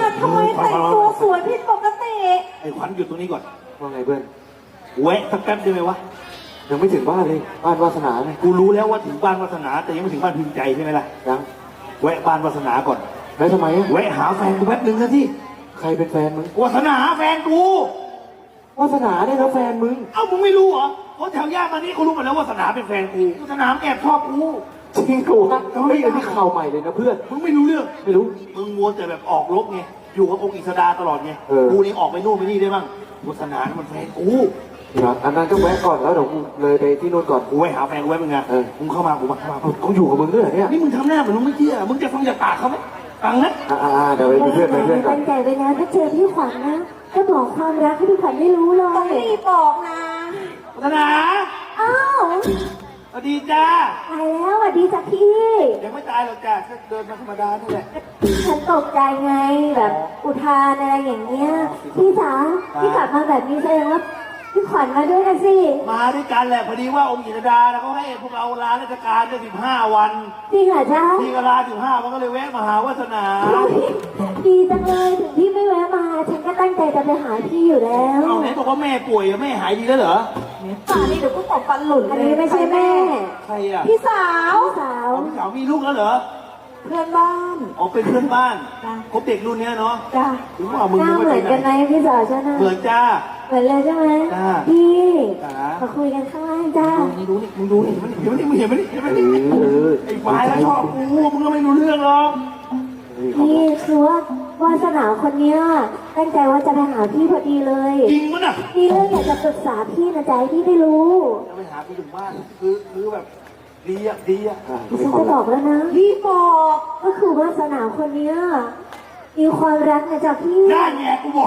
ทำไมแต่งตัวสวยผิดปกติไอ้ขวัญหยุดตรงนี้ก่อนว่าไงเพื่อนแวะสักแป๊บได้ไหมวะยังไม่ถึงบ้านเลยบ้านวาสนาไงกูรู้แล้วว่าถึงบ้านวาสนาแต่ยังไม่ถึงบ้านพิมพ์ใจใช่ไหมล่ะยังแวะบ้านวาสนาก่อนแล้วทำไมอะแวะหาแฟนกูแป๊บนึงนะที่ใครเป็นแฟนมึงวาสนาแฟนกูวาสนาเนี่ยนะแฟนมึงเอ้ามึงไม่รู้เหรอเพราะแถวย่านมานี่เขารู้หมดแล้ววาสนาเป็นแฟนกูวาสนาแอบชอบกูจริงกูฮะเฮ้ยอันนี้ข่าวใหม่เลยนะเพื่อนมึงไม่รู้เรื่องไม่รู้มึงมัวแต่แบบออกรบไงอยู่กับองค์อิสดาตลอดไงเออกูนี่ออกไปนู่นไปนี่ได้บ้างวาสนานี่มันแฟนกูครับอันนั้นก็แวะก่อนแล้วเดี๋ยวกูเลยไปที่นู่นก่อนกูไปหาแฟนกูไว้มึงไงเออมึงเข้ามากูมาเข้ามาเขาอยู่กับมึงด้วยเหรอเนี่ยนี่มึงทำหน้าเหมือนมึงไม่เชื่อมึงจะฟังจากปากเขาไหมฟังนะเดี๋ยวไปมีเพื่อนไปเพื่อนก่อนตั้งใจไว้นะถ้าเจอพี่ขวัญนะก็บอกความรักให้พี่ขวัญได้รู้เลต้องยรีบบอกนะวาสนาอ้าวสวัสดีจ้าตายแล้วสวัสดีจ้ะพี่ยังไม่ตายหรอกจ้าแค่เดินมาธรรมดานี่แหละฉันตกใจไงแบบอุทานอะไรอย่างเงี้ยพี่จ๋าพี่กลับมาแบบนี้แสดงว่าพี่ขวัญมาด้วยนะสิมาด้วยกันแหละพอดีว่าองค์อิสดาแล้วเขาให้พวกเราลาราชการได้15 วันจริงเหรอจ๊ะพี่ก็ลา15 วันก็เลยแวะมาหาวาสนาดีจังเลยถึงพี่ไม่แวะมาฉันก็ตั้งใจจะไปหาพี่อยู่แล้วเอาไหนบอกว่าแม่ป่วยอะแม่หายดีแล้วเหรอป่านนี้เดี๋ยวกูตบฟันหลุดอันเลยนี้ไม่ใช่แม่ใครอ่ะพี่สาวพี่สาวอ๋อพี่สาวมีลูกแล้วเหรอเพื่อนบ้านอ๋อเป็นเพื่อนบ้านจ้ะคบเด็กรุ่นเนี้ยเนาะจ้ะถึงว่ามึงหน้ายังเหมืไม่อนไปกันไหไหมนพี่สาวฉันน่ะเหมือนจ้าเหมือนเลยใช่ไหมจ้าพี่จ๋ามาคุยกันข้างล่างจ้ามึงดูนี่มึงดูนี่เห็นไหมนี่มึงเห็นไหมนี่เห็นไหมนี่อไอ้ฝ่ายแล้วชอบกูมึงก็ไม่รู้เรื่องหรอกพี่คือว่าวาสนาคนเนี้ยตั้งใจว่าจะไปหาพี่พอดีเลยจริงมั้ยน่ะมีเรื่องอยากจะปรึกษาพี่นะจ๊ะให้พี่ได้รู้จะไปหากูถึงบ้านคือแบบดีอ่ะดีอ่ะฉันจะบอกแล้วนะพี่บอกก็คือวาสนาคนเนี้ยมีความรักนะจ๊ะพี่ได้ไงกูบอก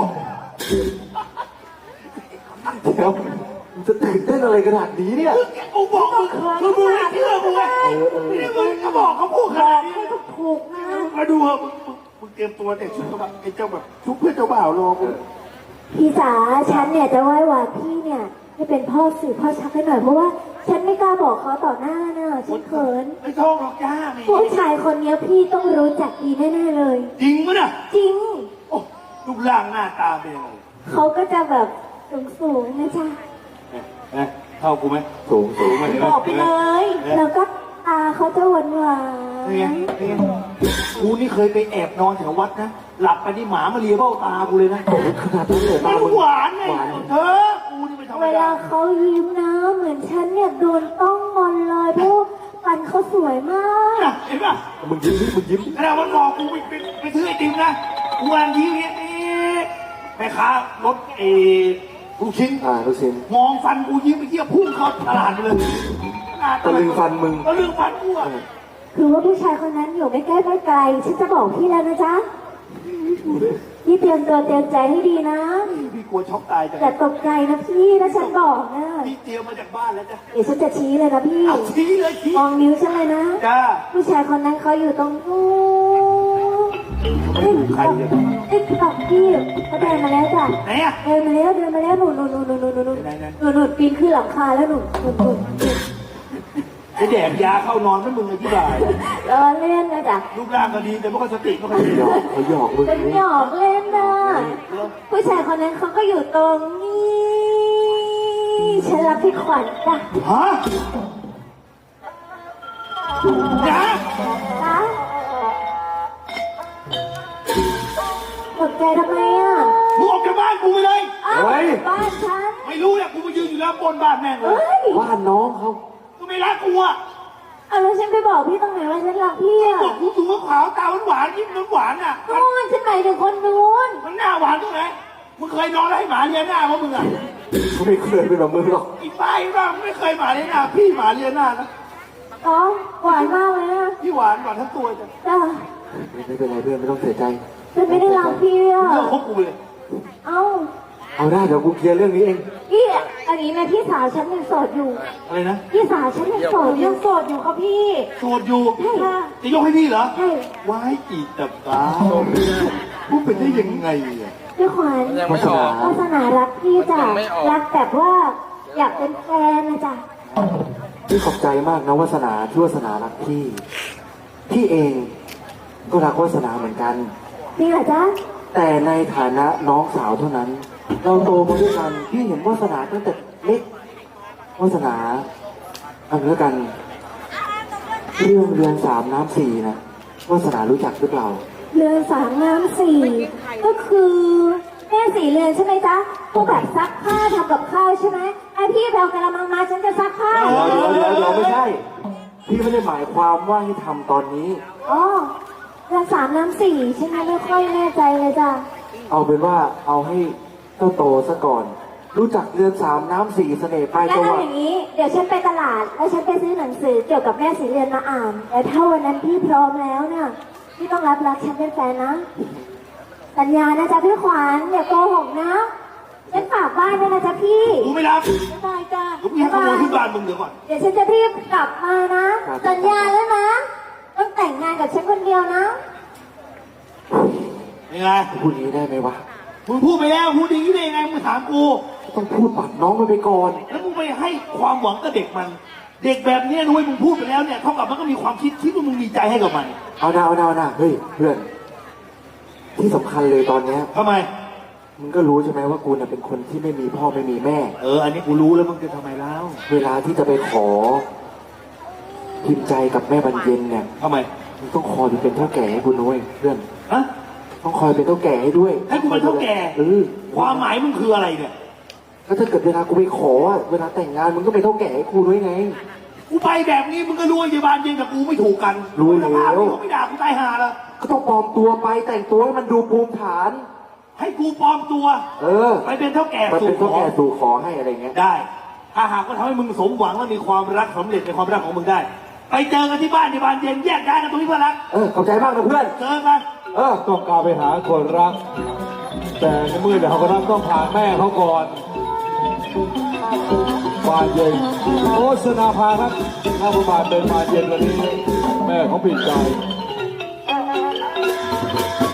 เดี๋ยวมึงจะตื่นเต้นอะไรขนาดนี้เนี่ยกูบอกมึงคือมึงไม่เชื่อกูไงนี่มึงก็บอกเขาพูดขนาดนี้ให้ถูกนะมาดูเหอะมึงเตรียมตัวแต่ชุดแบบไอ้เจ้าแบบชุดเพื่อนเจ้าบ่าวรอกูพี่จ๋าฉันเนี่ยจะไหว้วานพี่เนี่ยให้เป็นพ่อสื่อพ่อชักให้หน่อยเพราะว่าฉันไม่กล้าบอกเขาต่อหน้าน่ะฉันเขินไม่ท้องหรอกจ้าแม่ผู้ชายคนเนี้ยพี่ต้องรู้จักดีแน่ๆเลยจริงมั้ยน่ะจริงโอ้รูปร่างหน้าตาเป็นยังไงเขาก็จะแบบสูงๆนะจ๊ะเท่ากูไหมสูงสูงมาเลยบอกไปเลยแล้วก็ตาเขาจะหวานนี่ไงนี่ไงกูนี่เคยไปแอบนอนแถววัดนะหลับไปนี่หมามาเลียเบ้าตากูเลยนะขนาดนั้นเลยมันมึงหวานไงเธอกูนี่ไม่ธรรๆมเวดาลาเขายิ้มนะเหมือนฉันเนี่ยโดนต้องมนเลยเพราะฟันเขาสวยมากน่ะเห็นป่ะมึงยิ้มดิมึงยิ้มขณะมันบอกกูไปซื้อไอติมนะกูกำลังยิ้มเนี่ยแม่ค้ารถลูกชิ้นลูกชิ้นมองฟันกูยิ้มไปเที่ยวพุ่งเข้าตลาดไปเลยตะลึงฟันมึงตะลึงฟันกูอ่ะคือว่าผู้ชายคนนั้นอยู่ไม่ใกล้ไม่ไกลฉันจะบอกพี่แล้วนะจ๊ะพี่เตรียมตัวเตรียมใจให้ดีนะพี่กลัวช็อกตายจังอย่าตกใจนะพี่ถ้าฉันบอกนะพี่เตรียมมาจากบ้านแล้วจ้ะเดี๋ยวฉันจะชี้เลยนะพี่เอาชี้เลยชี้มองนิ้วฉันเลยนะจ้าผู้ชายคนนั้นเขาอยู่ตรงนู้นใครเนี่ยติ๊กตอกพี่เขาเดินมาแล้วจ้ะไหนอ่ะเดินมาแล้วหนูปีนขึ้นหลังคาแล้วหนูไอแดกยาเข้านอนไม่มึงอธิบายล้อเล่นนะจ๊ะรูปร่างก็ดีแต่ไม่ค่อยสติไม่ค่อยดีหยอกเขาหยอกมึงเป็นหยอกเล่นนะผู้ชายคนนั้นเขาก็อยู่ตรงนี้ฉันรักพี่ขวัญจ้ะฮะนะจ๊ะตกใจทำไมอ่ะมึงออกจากบ้านกูไปเลยอ้าวบ้านฉันไม่รู้เนี่ยกูมายืนอยู่แล้วบนบ้านแม่งเลเฮ้ยยบ้านน้องเขาก็ไม่รักกูอ่ะเอาแล้วฉันไปบอกพี่ตรงไหนว่าฉันรักพี่อ่ะบอกกูสูงขาวตาหวานยิ้มหวานอ่ะโอ้ยฉันหมายถึงคนนู้นมันหน้าหวานตรงไหนมึงเคยนอนแล้วให้หมาเลียหน้ามั้ยมึงอ่ะเขาไม่เคยเป็นแบบมึงหรอกอีป้ายบ้างไม่เคยหมาเลียหน้าพี่หมาเลียหน้านะอ๋อหวานมากเลยนะพี่หวานทั้งตัวจ้ะจ้ะไม่เป็นไรเพื่อนไม่ต้องเสียใจฉันไม่ได้รักพี่อ่ะเลิกคบกูเลยเอ้าเอาได้เดี๋ยวกูเคลียร์เรื่องนี้เองพี่อันนี้นะพี่สาวฉันยังโสดอยู่อะไรนะพี่สาวฉันยังโสดอยู่ยังโสดอยู่ครับพี่โสดอยู่ใช่ค่ะจะยกให้พี่เหรอใช่ว้ายอีตับตาพูดเป็นได้ยังไงอ่ะพี่ขวัญวาสนาวาสนารักพี่จ้ะรักแบบว่าอยากเป็นแฟนนะจ๊ะพี่ขอบใจมากนะวาสนาที่วาสนารักพี่ พี่เองก็รักวาสนาเหมือนกันจริงเหรอจ๊ะแต่ในฐานะน้องสาวเท่านั้น เราโตมาด้วยกันพี่เห็นวาสนาตั้งแต่เล็กวาสนาเอาเรื่องกัน เรื่องเรือนสามน้ำสี่นะวาสนารู้จักหรือเปล่าเรือนสามน้ำสี่ก็คือแม่สี่เรือนใช่ไหมจ๊ะพวกแบบซักผ้าทำกับข้าวใช่ไหมไอพี่แบลกระมังมาฉันจะซักผ้าเดี๋ยวไม่ใช่ พี่ไม่ได้หมายความว่าให้ทำตอนนี้อ๋อเรือนสามน้ำสี่ใช่ไหมไม่ค่อยแน่ใจเลยจ้ะเอาเป็นว่าเอาให้เจ้าโตซะก่อน รู้จักเรือนสามน้ำสี่เสน่ห์ปลายงั้นจังหเอาวัดอย่างนี้เดี๋ยวฉันไปตลาดแล้วฉันไปซื้อหนังสือเกี่ยวกับแม่สีเรือนมาอ่านแต่ถ้าวันนั้นพี่พร้อมแล้วเนี่ยพี่ต้องรับรักฉันเป็นแฟนนะสัญญานะจ๊ะพี่ขวัญอย่าโกหกนะฉันฝากบ้านด้วยนะจ๊ะพี่กูไม่รับบ๊ายบายจ้ะกูมีขโมยที่บ้านมึงเดี๋ยวก่อนเดี๋ยวฉันจะรีบกลับมานะ สัญญาแล้วนะ ต้องแต่งงานกับฉันคนเดียวนะยังไงพูดอย่างนี้ได้ไหมวะมึงพูดไปแล้วพูดอย่างนี้ได้ยังไงมึงถามกูต้องพูดปัดน้องมันไปก่อนแล้วมึงไปให้ความหวังกับเด็กมัน เด็กแบบเนี้ยนุ้ยมึงพูดไปแล้วเนี่ยเท่ากับมันก็มีความคิดว่ามึงมีใจให้กับมันเอานะเฮ้ยเพื่อน ที่สำคัญเลยตอนเนี้ยทำไมมึงก็รู้ใช่ไหมว่ากูน่ะเป็นคนที่ไม่มีพ่อไม่มีแม่อันนี้กูรู้แล้วมึงจะทำไมแล้วเวลาที่จะไปขอ พิมพ์ใจกับแม่บรรเย็นเนี่ยทำไมมึงต้องคอยเป็นเท่าแก่ให้กูนุ้ยเพื่อนฮะต้องคอยเป็นเท่าแก่ให้ด้วยให้กูเป็นเท่าแก่ ความหมายมึงคืออะไรเนี่ยก็ถ้าเกิดเวลากูไปขออะเวลาแต่งงานมึงก็เป็นเท่าแก่ให้กูด้วยไงกูไปแบบนี้มึงก็รู้ว่าเยบานเย็นกับกูไม่ถูกกันรู้แล้วสภาพนี้เขาไม่ด่ากูตายห่าแล้วก็ต้องปลอมตัวไปแต่งตัวให้มันดูภูมิฐานให้กูปลอมตัว ไปเป็นเท่าแก่มันสู่เป็นขเท่าอแก่สู่ขอให้อะไรเงี้ยได้ ถ้าหากว่าทำให้มึงสมหวังและมีความรักสำเร็จในความรักของมึงได้ ไปเจอกันที่บ้านที่บานเย็นแยกย้ายกันตรงนี้เพื่อนรักขอบใจมากนะเพื่อนเจอกันต้องการไปหาคนรัก แต่ในเมื่อเดี๋ยวเขาก็ต้องผ่านแม่เขาก่อนบานเย็นโฆษณาพาครับถ้าประมาณเป็นบานเย็นวันนี้แม่เขาผิดใจ